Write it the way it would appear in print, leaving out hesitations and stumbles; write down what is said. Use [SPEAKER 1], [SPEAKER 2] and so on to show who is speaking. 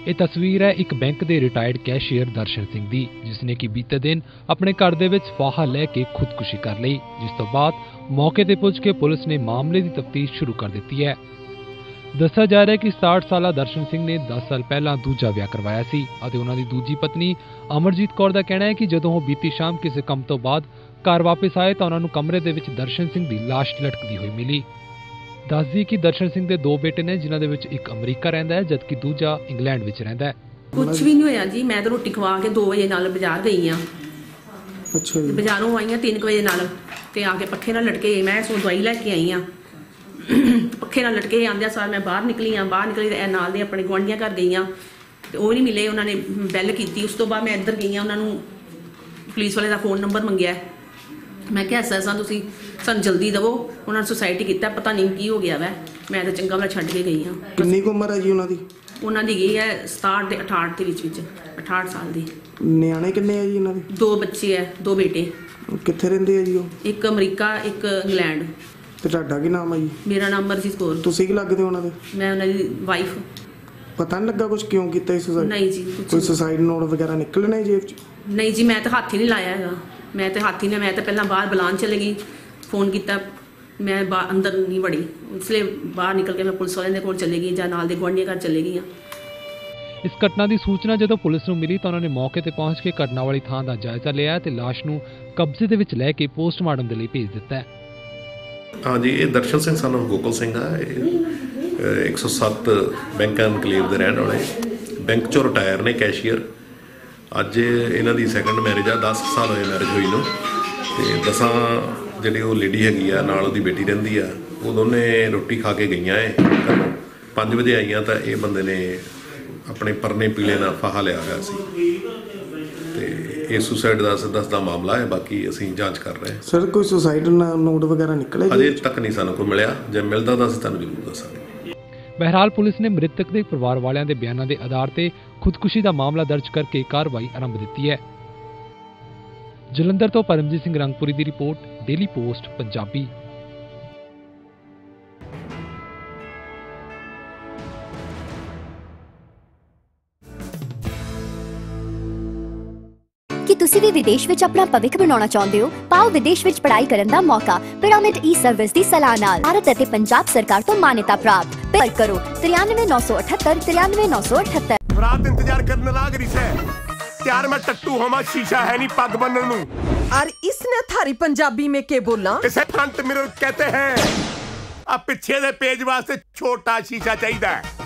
[SPEAKER 1] ਇਹ ਤਸਵੀਰ ਹੈ ਇੱਕ ਬੈਂਕ ਦੇ ਰਿਟਾਇਰਡ ਕੈਸ਼ੀਅਰ ਦਰਸ਼ਨ ਸਿੰਘ ਦੀ, ਜਿਸਨੇ ਕਿ ਬੀਤੇ ਦਿਨ ਆਪਣੇ ਘਰ ਦੇ ਵਿੱਚ ਫਾਹਾ ਲੈ ਕੇ ਖੁਦਕੁਸ਼ੀ ਕਰ ਲਈ, ਜਿਸ ਤੋਂ ਬਾਅਦ ਮੌਕੇ ਤੇ ਪੁੱਜ ਕੇ ਪੁਲਿਸ ਨੇ ਮਾਮਲੇ ਦੀ ਤਫਤੀਸ਼ ਸ਼ੁਰੂ ਕਰ ਦਿੱਤੀ ਹੈ। ਦੱਸਿਆ ਜਾ ਰਿਹਾ ਹੈ ਕਿ 60 ਸਾਲਾ ਦਰਸ਼ਨ ਸਿੰਘ ਨੇ 10 ਸਾਲ ਪਹਿਲਾਂ ਦੂਜਾ ਵਿਆਹ ਕਰਵਾਇਆ ਸੀ ਅਤੇ ਉਹਨਾਂ ਦੀ ਦੂਜੀ ਪਤਨੀ ਅਮਰਜੀਤ ਕੌਰ ਦਾ ਕਹਿਣਾ ਹੈ ਕਿ ਜਦੋਂ ਉਹ ਬੀਤੀ ਸ਼ਾਮ ਕਿਸੇ ਕੰਮ ਤੋਂ ਬਾਅਦ ਘਰ ਵਾਪਸ ਆਏ ਤਾਂ ਉਹਨਾਂ ਨੂੰ ਕਮਰੇ ਦੇ ਵਿੱਚ ਦਰਸ਼ਨ ਸਿੰਘ ਦੀ ਲਾਸ਼ ਲਟਕਦੀ ਹੋਈ ਮਿਲੀ। ਦੱਸਦੀ ਕਿ ਦਰਸ਼ਨ ਸਿੰਘ ਦੇ 2 ਬੇਟੇ ਨੇ, ਜਿਨ੍ਹਾਂ ਦੇ ਵਿੱਚ ਇੱਕ ਅਮਰੀਕਾ ਰਹਿੰਦਾ ਹੈ ਜਦਕਿ ਦੂਜਾ ਇੰਗਲੈਂਡ ਵਿੱਚ ਰਹਿੰਦਾ ਹੈ।
[SPEAKER 2] ਕੁਝ ਵੀ ਨਹੀਂ ਹੋਇਆ ਜੀ, ਮੈਂ ਤਾਂ ਰੋਟੀ ਖਵਾ ਕੇ 2 ਵਜੇ ਨਾਲ ਬਾਜ਼ਾਰ ਗਈ ਆ।
[SPEAKER 3] ਅੱਛਾ ਜੀ।
[SPEAKER 2] ਬਾਜ਼ਾਰੋਂ ਆਈ ਆ 3 ਵਜੇ ਨਾਲ ਤੇ ਆ ਕੇ ਪੱਖੇ ਨਾਲ ਲਟਕੇ, ਮੈਂ ਸੋ ਦਵਾਈ ਲੈ ਕੇ ਆਈ ਆ। ਪੱਖੇ ਨਾਲ ਲਟਕੇ ਆਂਦਿਆਂ ਸਾਰ ਮੈਂ ਬਾਹਰ ਨਿਕਲੀ ਤੇ ਨਾਲ ਦੇ ਆਪਣੇ ਗੁਆਂਢੀਆਂ ਘਰ ਗਈ ਆ ਤੇ ਉਹ ਨਹੀਂ ਮਿਲੇ, ਉਹਨਾਂ ਨੇ ਬੈਲ ਕੀਤੀ। ਉਸ ਤੋਂ ਬਾਅਦ ਮੈਂ ਇੱਧਰ ਗਈ ਆ, ਉਹਨਾਂ ਨੂੰ ਪੁਲਿਸ ਵਾਲੇ ਦਾ ਫੋਨ ਨੰਬਰ ਮੰਗਿਆ। ਮੈਂ ਕਿਹਾ ਐਸਾ ਤੁਸੀਂ ਸਾਨੂੰ ਜਲਦੀ ਦਵੋ, ਉਹਨਾਂ ਨੇ ਸੁਸਾਇਟੀ ਕੀਤਾ, ਪਤਾ ਨਹੀਂ ਕੀ ਹੋ ਗਿਆ ਵੈ। ਮੈਂ ਤਾਂ ਚੰਗਾ ਵਾਲਾ ਛੱਡ ਕੇ ਗਈ ਹਾਂ।
[SPEAKER 3] ਕਿੰਨੀ ਕੁ ਉਮਰ ਹੈ ਜੀ ਉਹਨਾਂ ਦੀ?
[SPEAKER 2] ਉਹਨਾਂ ਦੀ ਗਈ ਹੈ 67 ਤੇ 68 ਦੇ ਵਿੱਚ 68 ਸਾਲ ਦੀ।
[SPEAKER 3] ਨਿਆਣੇ ਕਿੰਨੇ ਆ ਜੀ ਉਹਨਾਂ ਦੇ?
[SPEAKER 2] 2 ਬੱਚੇ ਹੈ, 2 ਬੇਟੇ।
[SPEAKER 3] ਕਿੱਥੇ ਰਹਿੰਦੇ ਆ ਜੀ ਉਹ?
[SPEAKER 2] ਇੱਕ ਅਮਰੀਕਾ, ਇੱਕ ਇੰਗਲੈਂਡ।
[SPEAKER 3] ਤੇ ਤੁਹਾਡਾ ਕੀ ਨਾਮ ਹੈ ਜੀ?
[SPEAKER 2] ਮੇਰਾ ਨਾਮ ਅਮਰਜੀਤ ਕੌਰ।
[SPEAKER 3] ਤੁਸੀਂ ਕੀ ਲੱਗਦੇ ਉਹਨਾਂ ਦੇ?
[SPEAKER 2] ਮੈਂ ਉਹਨਾਂ ਦੀ ਵਾਈਫ।
[SPEAKER 3] ਪਤਾ ਨਹੀਂ ਲੱਗਾ ਕੁਝ ਕਿਉਂ ਕੀਤਾ ਇਸ ਸੁਸਾਇਡ?
[SPEAKER 2] ਨਹੀਂ ਜੀ,
[SPEAKER 3] ਕੋਈ ਸੁਸਾਇਡ ਨੋਟ ਵਗੈਰਾ ਨਿਕਲਣੇ ਜੇਬ 'ਚ?
[SPEAKER 2] ਨਹੀਂ ਜੀ, ਮੈਂ ਤਾਂ ਹੱਥ ਹੀ ਨਹੀਂ ਲਾਇਆ ਹੈਗਾ। ਮੈਂ ਤਾਂ ਪਹਿਲਾਂ ਬਾਹਰ ਬੁਲਾਉਣ ਚਲੇ ਗਈ, ਫੋਨ ਕੀਤਾ, ਮੈਂ ਅੰਦਰ ਨਹੀਂ ਵੜੀ। ਇਸ ਲਈ ਬਾਹਰ ਨਿਕਲ ਕੇ ਮੈਂ ਪੁਲਿਸ ਵਾਲਿਆਂ ਦੇ ਕੋਲ ਚਲੇ ਗਈ ਜਾਂ ਨਾਲ ਦੇ ਗੁਆਂਢੀਆਂ ਘਰ ਚਲੇ ਗਈ ਹਾਂ।
[SPEAKER 1] ਇਸ ਘਟਨਾ ਦੀ ਸੂਚਨਾ ਜਦੋਂ ਪੁਲਿਸ ਨੂੰ ਮਿਲੀ ਤਾਂ ਉਹਨਾਂ ਨੇ ਮੌਕੇ ਤੇ ਪਹੁੰਚ ਕੇ ਘਟਨਾ ਵਾਲੀ ਥਾਂ ਦਾ ਜਾਇਜ਼ਾ ਲਿਆ ਤੇ ਲਾਸ਼ ਨੂੰ ਕਬਜ਼ੇ ਦੇ ਵਿੱਚ ਲੈ ਕੇ ਪੋਸਟਮਾਰਟਮ ਦੇ ਲਈ ਭੇਜ ਦਿੱਤਾ ਹੈ।
[SPEAKER 4] ਹਾਂਜੀ, ਇਹ ਦਰਸ਼ਨ ਸਿੰਘ ਸਾਨੂੰ ਗੋਕਲ ਸਿੰਘ ਆ। ਇਹ 107 ਬੈਂਕ ਐਨਕਲੇਵ ਦੇ ਰਹਿਣ ਵਾਲੇ, ਬੈਂਕ 'ਚੋਂ ਰਿਟਾਇਰ ਨੇ ਕੈਸ਼ੀਅਰ। ਅੱਜ ਇਹਨਾਂ ਦੀ ਸੈਕੰਡ ਮੈਰਿਜ ਆ, 10 ਸਾਲ ਹੋਏ ਮੈਰਿਜ ਹੋਈ ਨੂੰ। ਤੇ 10 ਜਿਹੜੀ ਉਹ ਲੇਡੀ ਹੈਗੀ ਆ, ਨਾਲ ਉਹਦੀ ਬੇਟੀ ਰਹਿੰਦੀ ਆ, ਉਹ ਦੋਨੇ ਰੋਟੀ ਖਾ ਕੇ ਗਈਆਂ ਏ। 5 ਵਜੇ ਆਈਆਂ ਤਾਂ ਇਹ ਬੰਦੇ ਨੇ ਆਪਣੇ ਪਰਨੇ ਪੀਲੇ ਨਾਲ ਫਾਹਾ ਲਿਆ ਹੋਇਆ ਸੀ ਤੇ ਇਹ ਸੁਸਾਈਡ ਦਾ ਸਿੱਧਾ ਮਾਮਲਾ ਹੈ। ਬਾਕੀ ਅਸੀਂ ਜਾਂਚ ਕਰ ਰਹੇ ਹਾਂ।
[SPEAKER 3] ਸਰ, ਕੋਈ ਸੁਸਾਈਡ ਨੋਟ ਵਗੈਰਾ ਨਿਕਲੇ?
[SPEAKER 4] ਅਜੇ ਤੱਕ ਨਹੀਂ ਸਾਨੂੰ ਕੋਈ ਮਿਲਿਆ, ਜੇ ਮਿਲਦਾ ਤਾਂ ਅਸੀਂ ਤੁਹਾਨੂੰ ਜ਼ਰੂਰ ਦੱਸਾਂਗੇ।
[SPEAKER 1] ਬਹਿਰਹਾਲ ਪੁਲਿਸ ਨੇ ਮ੍ਰਿਤਕ ਦੇ ਪਰਿਵਾਰ ਵਾਲਿਆਂ ਦੇ ਬਿਆਨਾਂ ਦੇ ਆਧਾਰ ਤੇ ਖੁਦਕੁਸ਼ੀ ਦਾ ਮਾਮਲਾ ਦਰਜ ਕਰਕੇ ਕਾਰਵਾਈ ਆਰੰਭ ਦਿੱਤੀ ਹੈ। ਜਲੰਧਰ ਤੋਂ ਪਰਮਜੀਤ ਸਿੰਘ ਰੰਗਪੁਰੀ ਦੀ ਰਿਪੋਰਟ, ਡੇਲੀ ਪੋਸਟ ਪੰਜਾਬੀ।
[SPEAKER 5] ਕਿ ਤੁਸੀਂ ਵੀ ਵਿਦੇਸ਼ ਵਿੱਚ ਆਪਣਾ ਭਵਿੱਖ ਬਣਾਉਣਾ ਚਾਹੁੰਦੇ ਹੋ? ਪਾਓ ਵਿਦੇਸ਼ ਵਿੱਚ ਪੜ੍ਹਾਈ ਕਰਨ ਦਾ ਮੌਕਾ ਪਿਰਾਮਿਡ ਈ-ਸਰਵਿਸ ਦੀ ਸਲਾਹ ਨਾਲ। ਭਾਰਤ ਅਤੇ ਪੰਜਾਬ ਸਰਕਾਰ ਤੋਂ ਮਾਨਤਾ ਪ੍ਰਾਪਤ। ਪਰ ਕਰੋ 93,978 93,978।
[SPEAKER 6] रात इंतजार करने लाग रही से त्यार मैं टट्टू होमा, शीशा है नहीं पग बनन नू।
[SPEAKER 7] और इसने थारी पंजाबी में के बोला?
[SPEAKER 6] इसे फ्रंट मिरर कहते हैं। अब पीछे दे पेज वास्ते छोटा शीशा चाहिए।